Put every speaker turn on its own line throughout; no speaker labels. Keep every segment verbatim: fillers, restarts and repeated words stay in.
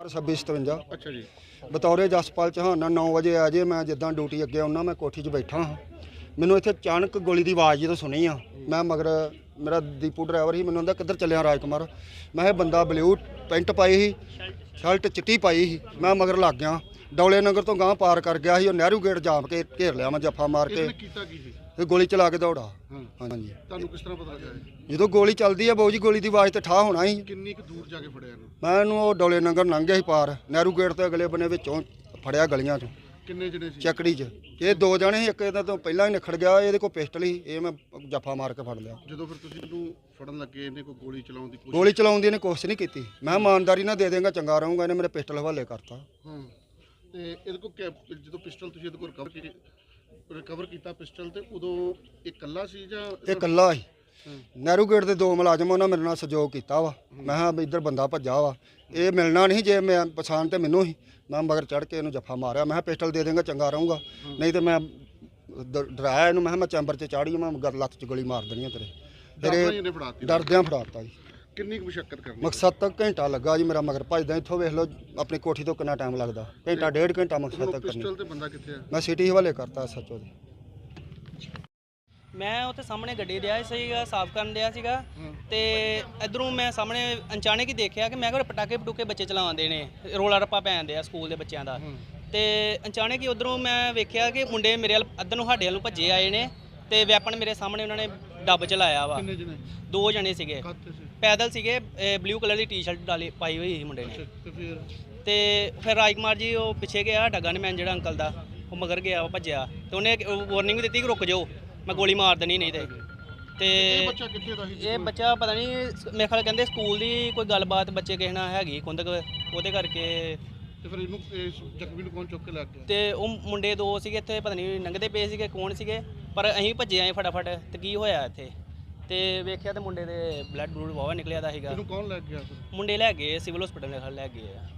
ਛੱਬੀ ਸਤਵੰਜਾ।
ਅੱਛਾ ਜੀ।
ਬਤੌਰੇ ਜਸਪਾਲ ਚੌਹਾਨ ਨਾਲ ਨੌ ਵਜੇ ਆ ਜੇ ਮੈਂ ਜਿੱਦਾਂ ਡਿਊਟੀ ਅੱਗੇ ਆਉਣਾ ਮੈਂ ਕੋਠੀ 'ਚ ਬੈਠਾ ਹਾਂ, ਮੈਨੂੰ ਇੱਥੇ ਅਚਾਨਕ ਗੋਲੀ ਦੀ ਆਵਾਜ਼ ਜਦੋਂ ਸੁਣੀ ਆ, ਮੈਂ ਮਗਰ ਮੇਰਾ ਦੀਪੂ ਡਰਾਈਵਰ ਸੀ, ਮੈਨੂੰ ਕਹਿੰਦਾ ਕਿੱਧਰ ਚੱਲਿਆ ਰਾਜਕੁਮਾਰ। ਮੈਂ ਇਹ ਬੰਦਾ ਬਲੂ ਪੈਂਟ ਪਾਈ ਸੀ, ਸ਼ਰਟ ਚਿੱਟੀ ਪਾਈ ਸੀ, ਮੈਂ ਮਗਰ ਲੱਗ ਗਿਆ। ਡੌਲੇ ਨਗਰ ਤੋਂ ਗਾਂਹ ਪਾਰ ਕਰ ਗਿਆ ਸੀ, ਉਹ ਨਹਿਰੂ ਗੇਟ ਜਾਮ ਕੇ ਘੇਰ ਲਿਆ ਮੈਂ ਜੱਫਾ ਮਾਰ ਕੇ
ਕੀਤਾ ਕੀ ਸੀ?
ਤੇ ਗੋਲੀ ਚਲਾ ਕੇ ਦੌੜਾ।
ਹਾਂ
ਹਾਂਜੀ।
ਤੁਹਾਨੂੰ ਕਿਸ ਤਰ੍ਹਾਂ ਪਤਾ ਲੱਗਾ?
ਜਦੋਂ ਗੋਲੀ ਚੱਲਦੀ ਆ ਬਾਊ ਜੀ, ਗੋਲੀ ਦੀ ਆਵਾਜ਼ ਤੇ ਠਾਹ ਹੋਣਾ ਸੀ।
ਕਿੰਨੀ ਕੁ ਦੂਰ ਜਾ ਕੇ ਫੜਿਆ ਇਹਨੂੰ?
ਮੈਂ ਇਹਨੂੰ ਉਹ ਡੌਲੇ ਨਗਰ ਲੰਘ ਗਿਆ ਸੀ ਪਾਰ, ਨਹਿਰੂ ਗੇਟ ਤੋਂ ਅਗਲੇ ਬੰਨੇ ਵਿੱਚੋਂ ਫੜਿਆ ਗਲੀਆਂ 'ਚੋਂ
ਕਿੰਨੇ ਜਣੇ ਸੀ?
ਚੱਕੜੀ 'ਚ। ਇਹ ਦੋ ਜਣੇ ਸੀ, ਇੱਕ ਇਹਦਾ ਤੋਂ ਪਹਿਲਾਂ ਹੀ ਨਿਖੜ ਗਿਆ, ਇਹਦੇ ਕੋਲ ਪਿਸਟਲ ਸੀ, ਇਹ ਮੈਂ ਜੱਫਾ ਮਾਰ ਕੇ ਫੜ ਲਿਆ।
ਜਦੋਂ ਫਿਰ ਤੁਸੀਂ ਇਹਨੂੰ ਫੜਨ ਲੱਗੇ, ਇਹਨੇ ਕੋਈ ਗੋਲੀ ਚਲਾਉਣ ਦੀ ਕੋਸ਼ਿਸ਼?
ਗੋਲੀ ਚਲਾਉਣ ਦੀ ਇਹਨੇ ਕੋਸ਼ਿਸ਼ ਨਹੀਂ ਕੀਤੀ। ਮੈਂ ਇਮਾਨਦਾਰੀ ਨਾਲ ਦੇ ਦੇਂਗਾ ਚੰਗਾ ਰਹੂੰਗਾ, ਇਹਨੇ ਮੇਰੇ ਪਿਸਟਲ ਹਵਾਲੇ ਕਰਤਾ।
ਹਾਂ ਤੇ ਇਹਦੇ ਕੋਲ ਜਦੋਂ ਪਿਸਟਲ ਤੁਸੀਂ ਇਹਦੇ ਕੋਲ ਰਿਕਵਰ ਕੀਤੀ ਰਿਕਵਰ ਕੀਤਾ ਪਿਸਟਲ, ਤੇ ਉਦੋਂ ਇਹ ਇਕੱਲਾ ਸੀ ਜਾਂ?
ਇਹ ਇਕੱਲਾ ਸੀ। ਨਹਿਰੂ ਗੇਟ ਦੇ ਦੋ ਮੁਲਾਜ਼ਮ ਉਹਨਾਂ ਮੇਰੇ ਨਾਲ ਸਹਿਯੋਗ ਕੀਤਾ ਵਾ। ਮੈਂ ਕਿਹਾ ਵੀ ਇੱਧਰ ਬੰਦਾ ਭੱਜਾ ਵਾ, ਇਹ ਮਿਲਣਾ ਨਹੀਂ, ਜੇ ਮੈਂ ਪਛਾਣ ਤੇ ਮੈਨੂੰ ਹੀ, ਮੈਂ ਮਗਰ ਚੜ੍ਹ ਕੇ ਇਹਨੂੰ ਜੱਫਾ ਮਾਰਿਆ। ਮੈਂ ਕਿਹਾ ਪਿਸਟਲ ਦੇ ਦੇਂਗਾ ਚੰਗਾ ਰਹੂੰਗਾ, ਨਹੀਂ ਤੇ ਮੈਂ ਡ- ਡਰਾਇਆ ਇਹਨੂੰ, ਮੈਂ ਕਿਹਾ ਮੈਂ ਚੈਂਬਰ 'ਚ ਚਾੜੀ, ਮੈਂ ਗਰ ਲੱਤ 'ਚ ਗੋਲੀ ਮਾਰ ਦੇਣੀ ਆ ਤੇਰੇ। ਫਿਰ ਡਰਦਿਆਂ ਫੜਾਤਾ ਜੀ।
ਕਿੰਨੀ ਕੁ ਮੁਸ਼ੱਕਤ ਕਰਨੀ?
ਮਕਸਦ ਤੱਕ ਘੰਟਾ ਲੱਗਾ ਜੀ ਮੇਰਾ ਮਗਰ ਭੱਜਦਾ। ਇੱਥੋਂ ਵੇਖ ਲਓ ਆਪਣੀ ਕੋਠੀ ਤੋਂ ਕਿੰਨਾ ਟਾਈਮ ਲੱਗਦਾ, ਘੰਟਾ ਡੇਢ ਘੰਟਾ ਮਕਸਦ ਤੱਕ ਕਰਨੀ।
ਪਿਸਟਲ ਤੇ ਬੰਦਾ ਕਿੱਥੇ ਆ?
ਮੈਂ ਸਿਟੀ ਹਵਾਲੇ ਕਰਤਾ ਸੱਚੋ ਦੇ।
ਮੈਂ ਉੱਥੇ ਸਾਹਮਣੇ ਗੱਡੀ ਦਿਆ ਸੀਗਾ, ਸਾਫ਼ ਕਰਨ ਦਿਆ ਸੀਗਾ, ਤੇ ਇਧਰੋਂ ਮੈਂ ਸਾਹਮਣੇ ਅਚਾਨਕ ਹੀ ਦੇਖਿਆ ਕਿ ਮੈਂ ਕਿਹਾ ਪਟਾਕੇ ਪਟੂਕੇ ਬੱਚੇ ਚਲਾਉਂਦੇ ਨੇ, ਰੋਲਾ ਰੱਪਾ ਪੈਂਦੇ ਆ ਸਕੂਲ ਦੇ ਬੱਚਿਆਂ ਦਾ। ਤੇ ਅਚਾਨਕ ਹੀ ਉਧਰੋਂ ਮੈਂ ਵੇਖਿਆ ਕਿ ਮੁੰਡੇ ਮੇਰੇ ਵੱਲ ਅੱਧਰ ਨੂੰ ਸਾਡੇ ਵੱਲ ਨੂੰ ਭੱਜੇ ਆਏ ਨੇ, ਤੇ ਵੈਪਨ ਮੇਰੇ ਸਾਹਮਣੇ ਉਹਨਾਂ ਨੇ ਡੱਬ ਚਲਾਇਆ ਵਾ।
ਕਿੰਨੇ ਜਣੇ?
ਦੋ ਜਣੇ ਸੀਗੇ, ਪੈਦਲ ਸੀਗੇ, ਬਲੂ ਕਲਰ ਦੀ ਟੀ-ਸ਼ਰਟ ਡਾਲੀ ਪਾਈ ਹੋਈ ਸੀ ਮੁੰਡੇ ਨੇ।
ਤੇ ਫਿਰ
ਤੇ ਫਿਰ ਰਾਜਕੁਮਾਰ ਜੀ ਉਹ ਪਿੱਛੇ ਗਿਆ, ਡੱਗਾ ਨੇ ਮੈਂ ਜਿਹੜਾ ਅੰਕਲ ਦਾ, ਉਹ ਮਗਰ ਗਿਆ, ਉਹ ਭੱਜਿਆ, ਤੇ ਉਹਨੇ ਵਾਰਨਿੰਗ ਵੀ ਦਿੱਤੀ ਕਿ ਰੁਕ ਜਾਓ, ਮੈਂ ਗੋਲੀ ਮਾਰ ਦੇਣੀ ਨਹੀਂ ਤੇ। ਤੇ
ਇਹ ਬੱਚਾ ਕਿੱਥੇ ਦਾ ਸੀ?
ਇਹ ਬੱਚਾ ਪਤਾ ਨਹੀਂ, ਮੇਰੇ ਖਿਆਲ ਕਹਿੰਦੇ ਸਕੂਲ ਦੀ ਕੋਈ ਗੱਲਬਾਤ ਬੱਚੇ ਕਿਸੇ ਨਾਲ ਹੈਗੀ ਕੁੰਦਕ, ਉਹਦੇ ਕਰਕੇ।
ਤੇ ਫਿਰ ਇਹਨੂੰ ਇਸ ਜ਼ਖਮੀ ਨੂੰ ਕੌਣ ਚੁੱਕ ਕੇ ਲੈ ਗਿਆ?
ਤੇ ਉਹ ਮੁੰਡੇ ਦੋ ਸੀਗੇ ਇੱਥੇ, ਪਤਾ ਨਹੀਂ ਲੰਘਦੇ ਪਏ ਸੀਗੇ ਕੌਣ ਸੀਗੇ, ਪਰ ਅਸੀਂ ਭੱਜੇ ਆਏ ਫਟਾਫਟ। ਤੇ ਕੀ ਹੋਇਆ ਇੱਥੇ, ਤੇ ਵੇਖਿਆ ਤੇ ਮੁੰਡੇ ਦੇ ਬਲੱਡ ਬਲੂਡ ਵਾਵਾ ਨਿਕਲਿਆ ਦਾ ਸੀਗਾ।
ਇਹਨੂੰ ਕੌਣ ਲੈ ਗਿਆ ਫਿਰ?
ਮੁੰਡੇ ਲੈ ਗਏ ਸਿਵਲ ਹਸਪੀਟਲ ਦੇ ਖਲ ਲੈ ਗਏ ਆ।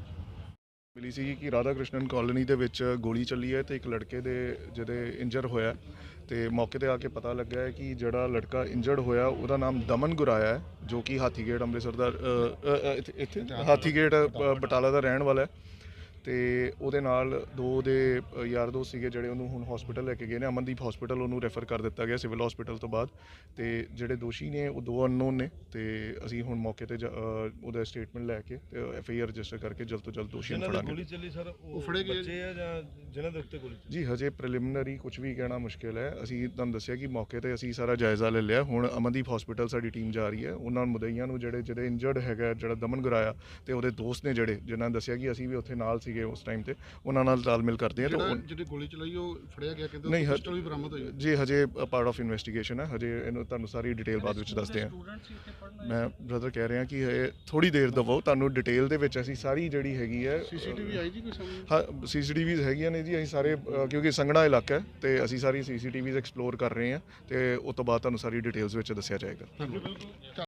ਮਿਲੀ ਸੀ ਕਿ ਰਾਧਾ ਕ੍ਰਿਸ਼ਨਨ ਕਾਲੋਨੀ ਦੇ ਵਿੱਚ ਗੋਲੀ ਚੱਲੀ ਹੈ ਤੇ ਇੱਕ ਲੜਕੇ ਦੇ ਜਿਹਦੇ ਇੰਜਰ ਹੋਇਆ, ਤੇ ਮੌਕੇ ਤੇ ਆ ਕੇ ਪਤਾ ਲੱਗਾ ਹੈ ਕਿ ਜਿਹੜਾ ਲੜਕਾ ਇੰਜਰਡ ਹੋਇਆ ਉਹਦਾ ਨਾਮ ਦਮਨ ਗੁਰਾਇਆ ਹੈ, ਜੋ ਕਿ ਹਾਥੀਗੇਟ ਅੰਮ੍ਰਿਤਸਰ ਦਾ ਅ, ਅ, ਇੱਥੇ ਹਾਥੀਗੇਟ ਬ- ਬਟਾਲਾ ਦਾ ਰਹਿਣ ਵਾਲਾ ਹੈ। ਤੇ ਉਹਦੇ ਨਾਲ ਦੋ ਦੇ ਯਾਰ ਦੋਸਤ ਸੀਗੇ ਜਿਹੜੇ ਉਹਨੂੰ ਹੁਣ ਹਸਪੀਟਲ ਲੈ ਕੇ ਗਏ ਨੇ, ਅਮਨਦੀਪ ਹਸਪੀਟਲ ਉਹਨੂੰ ਰੈਫਰ ਕਰ ਦਿੱਤਾ ਗਿਆ ਸਿਵਲ ਹਸਪੀਟਲ ਤੋਂ ਬਾਅਦ। ਤੇ ਜਿਹੜੇ ਦੋਸ਼ੀ ਨੇ ਉਹ ਦੋ ਅਨਨੋਨ ਨੇ, ਤੇ ਅਸੀਂ ਹੁਣ ਮੌਕੇ ਤੇ ਜਾ- ਅ, ਉਹਦਾ ਸਟੇਟਮੈਂਟ ਲੈ ਕੇ ਤੇ ਐਫ ਆਈ ਆਰ ਰਜਿਸਟਰ ਕਰਕੇ ਜਲਦ ਤੋਂ ਜਲਦ ਦੋਸ਼ੀਆਂ ਨੂੰ ਫੜਾਂਗੇ।
ਗੋਲੀ ਚੱਲੀ ਸਰ,
ਉਹ ਫੜੇ ਗਏ
ਬੱਚੇ ਆ ਜਾਂ ਜਿਨ੍ਹਾਂ ਦੇ ਉੱਤੇ ਗੋਲੀ?
ਜੀ ਹਜੇ ਪ੍ਰੀਲਿਮਿਨਰੀ ਕੁਝ ਵੀ ਕਹਿਣਾ ਮੁਸ਼ਕਿਲ ਹੈ। ਅਸੀਂ ਤੁਹਾਨੂੰ ਦੱਸਿਆ ਕਿ ਮੌਕੇ ਤੇ ਅਸੀਂ ਸਾਰਾ ਜਾਇਜ਼ਾ ਲੈ ਲਿਆ। ਹੁਣ ਅਮਨਦੀਪ ਹਸਪੀਟਲ ਸਾਡੀ ਟੀਮ ਜਾ ਰਹੀ ਹੈ, ਉਹਨਾਂ ਮੁਦਈਆਂ ਨੂੰ ਜਿਹੜੇ ਜਿਹੜੇ ਇੰਜਰਡ ਹੈਗਾ, ਜਿਹੜਾ ਦਮਨ ਗੁਰਾਇਆ ਤੇ ਉਹਦੇ ਦੋਸਤ ਨੇ ਜਿਹੜੇ ਜਿਨ੍ਹਾਂ ਨੇ ਦੱਸਿਆ ਕਿ ਅਸੀਂ ਵੀ ਉੱਥੇ ਨਾਲ ਸੀਗੇ ਉਸ ਟਾਈਮ ਤੇ, ਉਹਨਾਂ ਨਾਲ ਤਾਲਮੇਲ ਕਰਦੇ ਆ।
ਜਿਹੜਾ ਜਿਹੜੀ ਗੋਲੀ ਚਲਾਈ ਉਹ ਫੜਿਆ ਗਿਆ, ਕਹਿੰਦੇ
ਨਹੀਂ,
ਪਿਸਟਲ ਵੀ ਬਰਾਮਦ ਹੋਈ?
ਜੀ ਹਜੇ ਪਾਰਟ ਆਫ ਇਨਵੈਸਟੀਗੇਸ਼ਨ ਹੈ, ਹਜੇ ਇਹਨੂੰ ਤੁਹਾਨੂੰ ਸਾਰੀ ਡਿਟੇਲ ਬਾਅਦ ਵਿੱਚ ਦੱਸਦੇ ਹਾਂ। ਮੈਂ ਬ੍ਰਦਰ ਕਹਿ ਰਿਹਾ ਕਿ ਇਹ ਥੋੜੀ ਦੇਰ ਦਵੋ, ਤੁਹਾਨੂੰ ਡਿਟੇਲ ਦੇ ਵਿੱਚ ਅਸੀਂ ਸਾਰੀ ਜਿਹੜੀ ਹੈਗੀ ਹੈ।
ਸੀਸੀਟੀਵੀ ਆਈ ਜੀ ਕੋਈ ਸਾਹਮਣੇ?
ਹਾਂ, ਸੀਸੀਟੀਵੀਜ਼ ਹੈਗੀਆਂ ਨੇ ਜੀ, ਅਸੀਂ ਸਾਰੇ ਅ, ਕਿਉਂਕਿ ਸੰਘਣਾ ਇਲਾਕਾ ਹੈ ਤੇ ਅਸੀਂ ਸਾਰੀ ਸੀਸੀਟੀਵੀਜ਼ ਐਕਸਪਲੋਰ ਕਰ ਰਹੇ ਹਾਂ, ਤੇ ਉਸ ਤੋਂ ਬਾਅਦ ਤੁਹਾਨੂੰ ਸਾਰੀ ਡਿਟੇਲਸ ਵਿੱਚ ਦੱਸਿਆ ਜਾਏਗਾ।